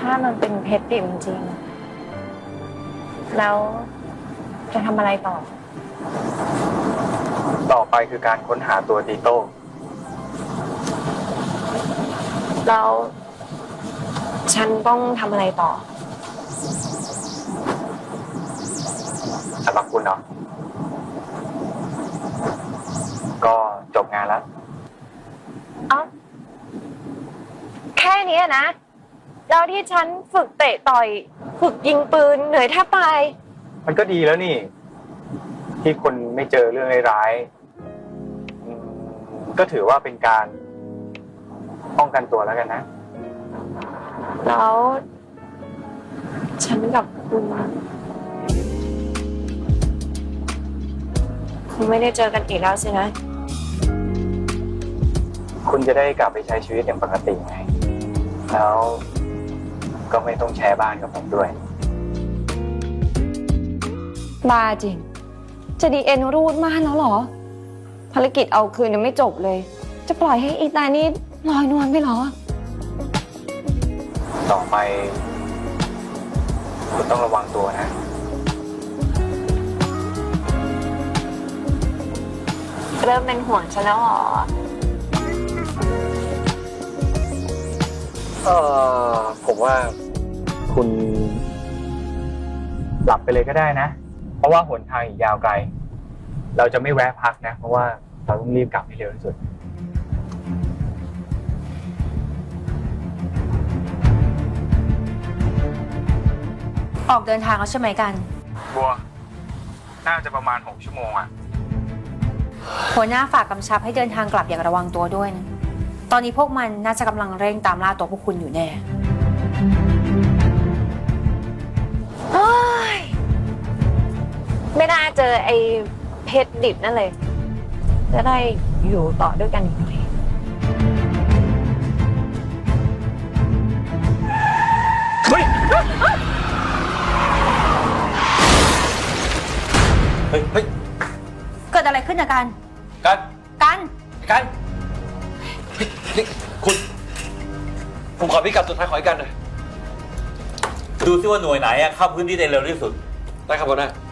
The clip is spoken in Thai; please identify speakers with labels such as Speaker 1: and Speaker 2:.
Speaker 1: ถ้ามันเป็นเพชรดิบจริงๆแล้วจะทำอะไรต่อ
Speaker 2: ต่อไปคือการค้นหาตัวตีโต้
Speaker 1: แล้วฉันต้องทำอะไรต่อ
Speaker 2: สำหรับคุณเนาะก็จบงานแล้ว
Speaker 1: เอ้าแค่นี้นะแล้วที่ฉันฝึกเตะต่อยฝึกยิงปืนเหนื่อยแทบตาย
Speaker 2: มันก็ดีแล้วนี่ ที่คุณไม่เจอเรื่องร้ายๆก็ถือว่าเป็นการป้องกันตัวแล้วกันนะ
Speaker 1: แล้วฉันกับคุณคงไม่ได้เจอกันอีกแล้วสินะ
Speaker 2: คุณจะได้กลับไปใช้ชีวิตอย่างปกติไง แล้วก็ไม่ต้องแชร์บ้านกับผมด้วย
Speaker 3: บ้าจริง จะดีเอ็นรูดมากแล้วเหรอ ภารกิจเอาคืนยังไม่จบเลย จะปล่อยให้อีตานี่ลอยนวลไปเหรอ
Speaker 2: ต่อไป คุณต้องระวังตัวนะ
Speaker 1: เริ่มเป็นห่วงฉันแล้วเหรอ
Speaker 2: ผมว่าคุณหลับไปเลยก็ได้นะ เพราะว่าหนทางอีกยาวไกล เราจะไม่แวะพักนะ เพราะว่าเราต้องรีบกลับให้เร็วที่สุด
Speaker 4: ออกเดินทางแล้วใช่ไหมกัน
Speaker 2: บัว น่าจะประมาณ6 ชั่วโมงอะ
Speaker 4: หัวหน้าฝากกำชับให้เดินทางกลับอย่างระวังตัวด้วยนะ ตอนนี้พวกมันน่าจะกำลังเร่งตามล่าตัวพวกคุณอยู่แน่
Speaker 1: เฮ้ย ไม่น่าเจอไอ้เพชรดิบนั่นเลย จะได้อยู่ต่อด้วยกันอีกหน่อย
Speaker 2: เฮ้ย เฮ้ย
Speaker 4: เกิดอะไรขึ้นนะกัน
Speaker 5: กัน
Speaker 4: กัน
Speaker 5: กันเฮ้ยนี่คุณ ผมขอพิกัดสุดท้ายของไอ้กันหน่อย
Speaker 6: ดูซิว่าหน่วยไหนเข้าพื้นที่ได้เร็วที่สุด
Speaker 5: ได้ครับหัวหน้า